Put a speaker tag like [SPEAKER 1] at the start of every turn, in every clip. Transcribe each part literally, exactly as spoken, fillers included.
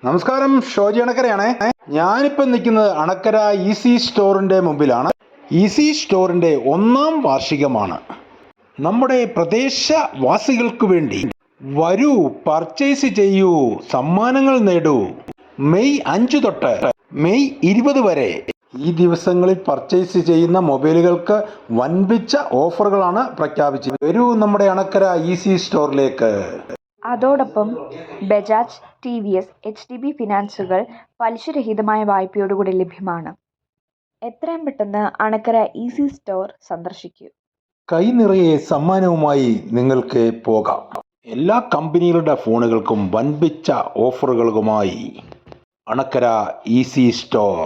[SPEAKER 1] നമസ്കാരം, ഷോജി അണക്കരയാണേ. ഞാനിപ്പോൾ നിൽക്കുന്നത് അണക്കര ഈസി സ്റ്റോറിൻ്റെ മുമ്പിലാണ്. ഈസി സ്റ്റോറിൻ്റെ ഒന്നാം വാർഷികമാണ്. നമ്മുടെ പ്രദേശവാസികൾക്ക് വേണ്ടി വരൂ, പർച്ചേസ് ചെയ്യൂ, സമ്മാനങ്ങൾ നേടൂ. മെയ് അഞ്ച് തൊട്ട് മെയ് ഇരുപത് വരെ ഈ ദിവസങ്ങളിൽ പർച്ചേസ് ചെയ്യുന്ന മൊബൈലുകൾക്ക് വൻപിച്ച ഓഫറുകളാണ് പ്രഖ്യാപിച്ചത്. വരൂ നമ്മുടെ അണക്കര ഈസി സ്റ്റോറിലേക്ക്.
[SPEAKER 2] അതോടൊപ്പം Bajaj, T V S, H D B ഫിനാൻസുകൾ പലിശരഹിതമായ വായ്പയോടുകൂടി ലഭ്യമാണ്. എത്രയും പെട്ടെന്ന് അണക്കര ഈസി സ്റ്റോർ സന്ദർശിക്കൂ.
[SPEAKER 1] കൈ നിറയെ സമ്മാനവുമായി നിങ്ങൾക്ക് പോകാം. എല്ലാ കമ്പനികളുടെ ഫോണുകൾക്കും വൻപിച്ച ഓഫറുകളുമായി അണക്കര ഈസി സ്റ്റോർ.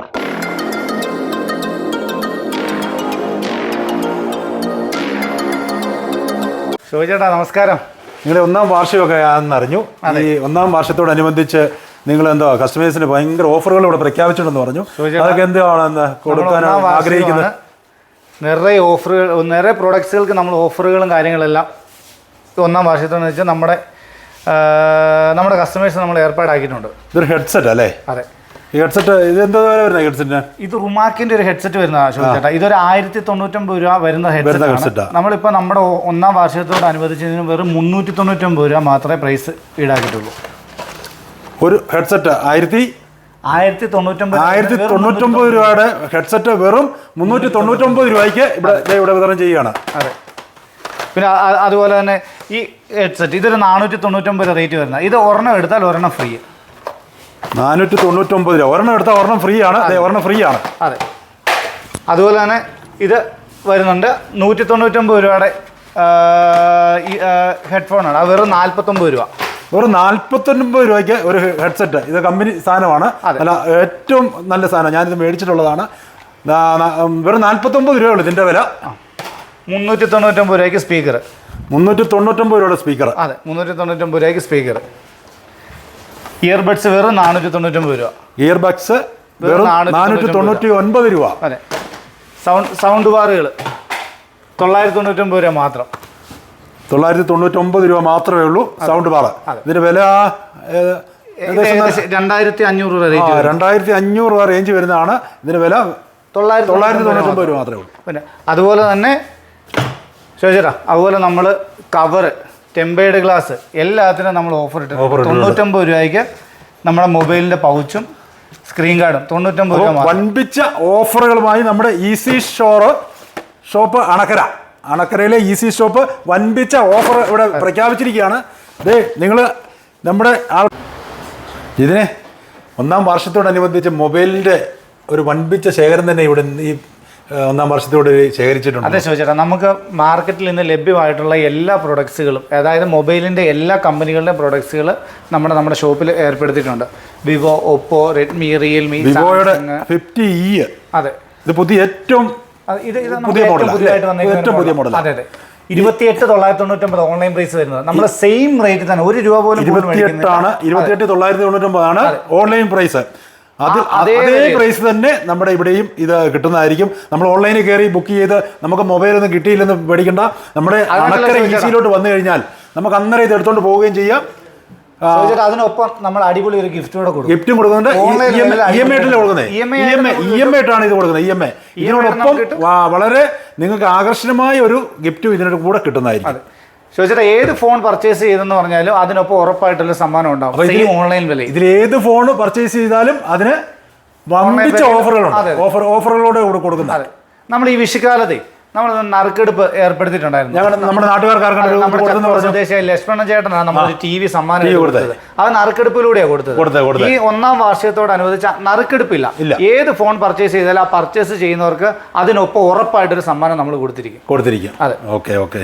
[SPEAKER 3] ഷോജേട്ടാ നമസ്കാരം.
[SPEAKER 4] നിങ്ങളുടെ ഒന്നാം വാർഷികമൊക്കെ ആണെന്നറിഞ്ഞു. ഈ ഒന്നാം വർഷത്തോടനുബന്ധിച്ച് നിങ്ങൾ എന്തോ കസ്റ്റമേഴ്സിന് ഭയങ്കര ഓഫറുകൾ ഇവിടെ പ്രഖ്യാപിച്ചിട്ടുണ്ടെന്ന് പറഞ്ഞു. അതൊക്കെ എന്താണെന്ന് കൊടുക്കാൻ ആഗ്രഹിക്കുന്നത്?
[SPEAKER 3] നിറയെ ഓഫറുകൾ, നിറയെ പ്രോഡക്ട്സുകൾക്ക് നമ്മൾ ഓഫറുകളും കാര്യങ്ങളെല്ലാം ഒന്നാം വാർഷികത്തോടെന്ന് വെച്ചാൽ നമ്മുടെ നമ്മുടെ കസ്റ്റമേഴ്സ് നമ്മൾ ഏർപ്പാടാക്കിയിട്ടുണ്ട്.
[SPEAKER 4] ഇതൊരു ഹെഡ്സെറ്റ് അല്ലേ?
[SPEAKER 3] അതെ.
[SPEAKER 4] ഈ ഹെഡ്സെറ്റ് ഇത് എന്താ വരുന്നത്? ഹെഡ്സെറ്റിന് ഇത്
[SPEAKER 3] റുമാക്കിന്റെ ഒരു ഹെഡ്സെറ്റ് വരുന്നതാണ് ഷോജേട്ടാ. ഇതൊരു ആയിരത്തി തൊണ്ണൂറ്റൊമ്പത് രൂപ വരുന്ന ഹെഡ്സെറ്റ്. നമ്മളിപ്പോൾ നമ്മുടെ ഒന്നാം വാർഷികത്തോട് അനുബന്ധിച്ചതിന് വെറും മുന്നൂറ്റി തൊണ്ണൂറ്റൊമ്പത് രൂപ മാത്രമേ പ്രൈസ് ഈടാക്കിയിട്ടുള്ളൂ.
[SPEAKER 4] ഒരു ഹെഡ്സെറ്റ് ആയിരത്തി
[SPEAKER 3] ആയിരത്തി തൊണ്ണൂറ്റൊമ്പത്
[SPEAKER 4] ആയിരത്തി തൊണ്ണൂറ്റൊമ്പത് രൂപയുടെ ഹെഡ്സെറ്റ് വെറും മുന്നൂറ്റി തൊണ്ണൂറ്റൊമ്പത് രൂപയ്ക്ക് ഇവിടെ ഇവിടെ വിതരണം ചെയ്യുകയാണ്.
[SPEAKER 3] അതെ. പിന്നെ അതുപോലെ തന്നെ ഈ ഹെഡ്സെറ്റ് ഇതൊരു നാനൂറ്റി തൊണ്ണൂറ്റൊമ്പത് റേറ്റ് വരുന്നത്. ഇത് ഒരെണ്ണം എടുത്താൽ ഒരെണ്ണം ഫ്രീ.
[SPEAKER 4] നാനൂറ്റി തൊണ്ണൂറ്റൊമ്പത് രൂപ ഒരെണ്ണം എടുത്താൽ ഒരെണ്ണം ഫ്രീ ആണ്. ഒരെണ്ണം ഫ്രീ ആണ്.
[SPEAKER 3] അതെ. അതുപോലെ തന്നെ ഇത് വരുന്നുണ്ട് നൂറ്റി തൊണ്ണൂറ്റൊമ്പത് രൂപയുടെ ഈ ഹെഡ്ഫോണാണ്. അത് വെറും നാൽപ്പത്തൊമ്പത് രൂപ.
[SPEAKER 4] വെറും നാൽപ്പത്തൊൻപത് രൂപയ്ക്ക് ഒരു ഹെഡ്സെറ്റ്. ഇത് കമ്പനി സാധനമാണ്. അല്ല, ഏറ്റവും നല്ല സാധനം. ഞാനിത് മേടിച്ചിട്ടുള്ളതാണ്. വെറും നാൽപ്പത്തൊമ്പത് രൂപയുള്ളൂ ഇതിൻ്റെ വില.
[SPEAKER 3] മുന്നൂറ്റി തൊണ്ണൂറ്റൊമ്പത് രൂപയ്ക്ക് സ്പീക്കർ.
[SPEAKER 4] മുന്നൂറ്റി തൊണ്ണൂറ്റൊമ്പത് രൂപയുടെ സ്പീക്കർ.
[SPEAKER 3] അതെ, മുന്നൂറ്റി തൊണ്ണൂറ്റൊമ്പത് രൂപയ്ക്ക് സ്പീക്കർ. ഇയർബഡ്സ് വെറും നാനൂറ്റി തൊണ്ണൂറ്റൊമ്പത് രൂപ.
[SPEAKER 4] ഇയർബഡ്സ് വെറും നാനൂറ്റി തൊണ്ണൂറ്റി ഒൻപത് രൂപ.
[SPEAKER 3] അതെ. സൗണ്ട് സൗണ്ട് ബാറുകൾ തൊള്ളായിരത്തി തൊണ്ണൂറ്റൊമ്പത് രൂപ മാത്രം.
[SPEAKER 4] തൊള്ളായിരത്തി തൊണ്ണൂറ്റൊമ്പത് രൂപ മാത്രമേ ഉള്ളൂ സൗണ്ട് ബാർ. ഇതിന്റെ വില
[SPEAKER 3] രണ്ടായിരത്തി അഞ്ഞൂറ് രൂപ റേറ്റ്.
[SPEAKER 4] രണ്ടായിരത്തി അഞ്ഞൂറ് രൂപ റേഞ്ച് വരുന്നതാണ്. ഇതിന്റെ വില തൊള്ളായിരത്തി തൊള്ളായിരത്തി തൊണ്ണൂറ്റൊമ്പത് രൂപ മാത്രമേ ഉള്ളൂ.
[SPEAKER 3] പിന്നെ അതുപോലെ തന്നെ ചോദിച്ചാ അതുപോലെ നമ്മൾ കവറ്, ടെമ്പേർഡ് ഗ്ലാസ് എല്ലാത്തിനും നമ്മൾ ഓഫർ ഇട്ട് തൊണ്ണൂറ്റൊമ്പത് രൂപയ്ക്ക് നമ്മുടെ മൊബൈലിന്റെ പൗച്ചും സ്ക്രീൻ ഗാർഡും തൊണ്ണൂറ്റൊമ്പത് രൂപ.
[SPEAKER 4] വൻപിച്ച ഓഫറുകളുമായി നമ്മുടെ ഈസി സ്റ്റോർ ഷോപ്പ് അണക്കര അണക്കരയിലെ ഈസി ഷോപ്പ് വൻപിച്ച ഓഫർ ഇവിടെ പ്രഖ്യാപിച്ചിരിക്കുകയാണ്. ദേ നിങ്ങൾ നമ്മുടെ ആൾ ഇതിനെ ഒന്നാം വർഷത്തോടനുബന്ധിച്ച് മൊബൈലിൻ്റെ ഒരു വൻപിച്ച ശേഖരം തന്നെ ഇവിടെ ഈ ഒന്നാം വർഷത്തോട് ശേഖരിച്ചിട്ടുണ്ട്.
[SPEAKER 3] അതെ ചോദിച്ചേട്ടാ, നമുക്ക് മാർക്കറ്റിൽ നിന്ന് ലഭ്യമായിട്ടുള്ള എല്ലാ പ്രൊഡക്ട്സുകളും, അതായത് മൊബൈലിൻ്റെ എല്ലാ കമ്പനികളുടെ പ്രൊഡക്ട്സുകൾ നമ്മുടെ നമ്മുടെ ഷോപ്പിൽ ഏർപ്പെടുത്തിയിട്ടുണ്ട്. വിവോ, ഒപ്പോ, റെഡ്മി, റിയൽമി,
[SPEAKER 4] വിവോയുടെ ഫിഫ്റ്റി ഇ.
[SPEAKER 3] അതെ,
[SPEAKER 4] ഇത് പുതിയ ഏറ്റവും
[SPEAKER 3] ഇത് പുതിയതായിട്ട് വന്നിരിക്കുന്നത്. അതെ അതെ. ഇരുപത്തിയെട്ട് തൊള്ളായിരത്തി തൊണ്ണൂറ്റൊമ്പത് ഓൺലൈൻ പ്രൈസ് വരുന്നത്. നമ്മുടെ സെയിം റേറ്റ് തന്നെ, ഒരു രൂപ പോലും.
[SPEAKER 4] ഇരുപത്തിയെട്ടാണ് ഇരുപത്തിയെട്ട് തൊള്ളായിരത്തി തൊണ്ണൂറ്റൊമ്പതാണ് ഓൺലൈൻ പ്രൈസ്. അത് അതേ പ്രൈസ് തന്നെ നമ്മുടെ ഇവിടെയും ഇത് കിട്ടുന്നതായിരിക്കും. നമ്മൾ ഓൺലൈനിൽ കയറി ബുക്ക് ചെയ്ത് നമുക്ക് മൊബൈലൊന്നും കിട്ടിയില്ലെന്ന് പേടിക്കണ്ട. നമ്മുടെ അണക്കര ഈസിയിലോട്ട് വന്നു കഴിഞ്ഞാൽ നമുക്ക് അന്നേരം ഇത് എടുത്തോണ്ട് പോവുകയും ചെയ്യാം.
[SPEAKER 3] അതിനൊപ്പം നമ്മൾ അടിപൊളി ഒരു ഗിഫ്റ്റ് കൂടെ കൊടുക്കും.
[SPEAKER 4] ഗിഫ്റ്റും കൊടുക്കുന്നുണ്ട്. ഇ എം ഐ ആയിട്ടല്ലേ കൊടുക്കുന്നത്? ഇ എം ഐ ആയിട്ടാണ് ഇത് കൊടുക്കുന്നത്. ഇ എം ഐ ഇതിനോടൊപ്പം വളരെ നിങ്ങൾക്ക് ആകർഷണമായ ഒരു ഗിഫ്റ്റും ഇതിനോട് കൂടെ കിട്ടുന്നതായിരിക്കും.
[SPEAKER 3] ചോദിച്ചാൽ ഏത് ഫോൺ പർച്ചേസ് ചെയ്തെന്ന് പറഞ്ഞാലും അതിനൊപ്പം ഉറപ്പായിട്ടുള്ള സമ്മാനം ഉണ്ടാവും. ഓൺലൈൻ വില
[SPEAKER 4] ഇതിൽ ഏത് ഫോൺ പർച്ചേസ് ചെയ്താലും അതിന് വമ്പിച്ച ഓഫറുകളുണ്ട്. ഓഫർ ഓഫറുകളോട് കൂടെ കൊടുക്കുന്നത്.
[SPEAKER 3] അതെ. നമ്മൾ ഈ വിഷുക്കാലത്തെ നമ്മൾ നറുക്കെടുപ്പ് ഏർപ്പെടുത്തിയിട്ടുണ്ടായിരുന്നു.
[SPEAKER 4] നമ്മുടെ നാട്ടുകാർക്ക്
[SPEAKER 3] ലക്ഷ്മണ ചേട്ടനാണ് നമ്മൾ ടി വി സമ്മാനം കൊടുത്തത്. അത് നറുക്കെടുപ്പിലൂടെയാണ് കൊടുത്തത്. ഈ ഒന്നാം വാർഷികത്തോടനുബന്ധിച്ച് നറുക്കെടുപ്പില്ല. ഏത് ഫോൺ പർച്ചേസ് ചെയ്താലും ആ പർച്ചേസ് ചെയ്യുന്നവർക്ക് അതിനൊപ്പം ഉറപ്പായിട്ടൊരു സമ്മാനം നമ്മൾ കൊടുത്തിരിക്കും
[SPEAKER 4] കൊടുത്തിരിക്കും അതെ. Okay okay.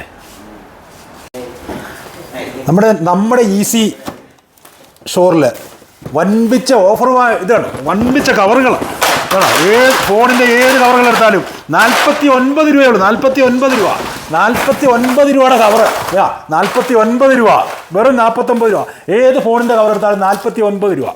[SPEAKER 4] നമ്മുടെ നമ്മുടെ ഈസി സ്റ്റോറിൽ വൻപിച്ച ഓഫറുമായി ഇതാണ്. വൻപിച്ച കവറുകൾ ഏത് ഫോണിൻ്റെ ഏത് കവറുകൾ എടുത്താലും നാൽപ്പത്തി ഒൻപത് രൂപയുള്ളൂ. നാൽപ്പത്തി ഒൻപത് രൂപ നാൽപ്പത്തി ഒൻപത് രൂപയുടെ കവറ്. നാൽപ്പത്തി ഒൻപത് രൂപ വെറും നാൽപ്പത്തൊമ്പത് രൂപ. ഏത് ഫോണിൻ്റെ കവർ എടുത്താലും നാൽപ്പത്തി ഒൻപത് രൂപ.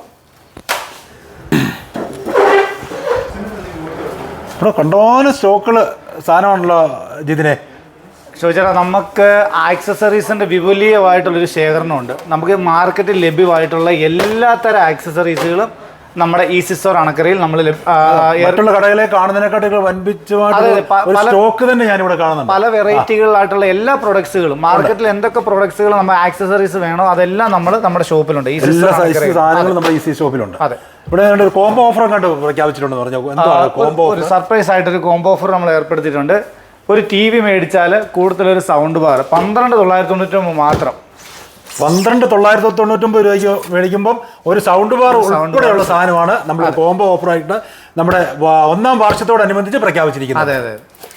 [SPEAKER 4] ഇവിടെ കണ്ടോന സ്റ്റോക്കുകൾ സാധനമാണല്ലോ ജിതിനെ.
[SPEAKER 3] ചോദിച്ചാൽ നമുക്ക് ആക്സസറീസിൻ്റെ വിപുലീയമായിട്ടുള്ളൊരു ശേഖരണമുണ്ട്. നമുക്ക് മാർക്കറ്റിൽ ലഭ്യമായിട്ടുള്ള എല്ലാ തരം ആക്സസറീസുകളും നമ്മുടെ ഈസി സ്റ്റോർ അണക്കരയിൽ നമ്മൾ
[SPEAKER 4] മറ്റുള്ള കടകളെ കാണുന്നതിനെക്കാട്ടും വൻപിച്ചമായിട്ട് സ്റ്റോക്ക് തന്നെ ഞാനിവിടെ കാണുന്നുണ്ട്.
[SPEAKER 3] പല വെറൈറ്റികളിലായിട്ടുള്ള എല്ലാ പ്രൊഡക്ട്സുകളും മാർക്കറ്റിൽ എന്തൊക്കെ പ്രൊഡക്ട്സുകൾ നമ്മൾ ആക്സസറീസ് വേണോ അതെല്ലാം നമ്മൾ നമ്മുടെ ഷോപ്പിലുണ്ട്.
[SPEAKER 4] എല്ലാ സൈസ് സാധനങ്ങളും നമ്മുടെ ഈസി ഷോപ്പിലുണ്ട്.
[SPEAKER 3] അതെ,
[SPEAKER 4] ഇവിടെ ഒരു കോംബോ ഓഫർ കണ്ട് പ്രഖ്യാപിച്ചിട്ടുണ്ടെന്ന് പറഞ്ഞു. എന്താണ് കോംബോ?
[SPEAKER 3] ഒരു സർപ്രൈസ് ആയിട്ടൊരു കോംബോ ഓഫർ നമ്മൾ ഏർപ്പെടുത്തിയിട്ടുണ്ട്. ഒരു ടി വി മേടിച്ചാൽ കൂടുതലൊരു സൗണ്ട് ബാർ പന്ത്രണ്ട് തൊള്ളായിരത്തി തൊണ്ണൂറ്റൊമ്പത് മാത്രം.
[SPEAKER 4] പന്ത്രണ്ട് തൊള്ളായിരത്തി തൊണ്ണൂറ്റൊമ്പത് രൂപയ്ക്ക് മേടിക്കുമ്പം ഒരു സൗണ്ട് ബാർ ഉൾപ്പെടെയുള്ള സാധനമാണ് നമ്മൾ കോംബോ ഓഫറായിട്ട് നമ്മുടെ ഒന്നാം വാർഷികത്തോടനുബന്ധിച്ച് പ്രഖ്യാപിച്ചിരിക്കുന്നത്.
[SPEAKER 3] അതെ അതെ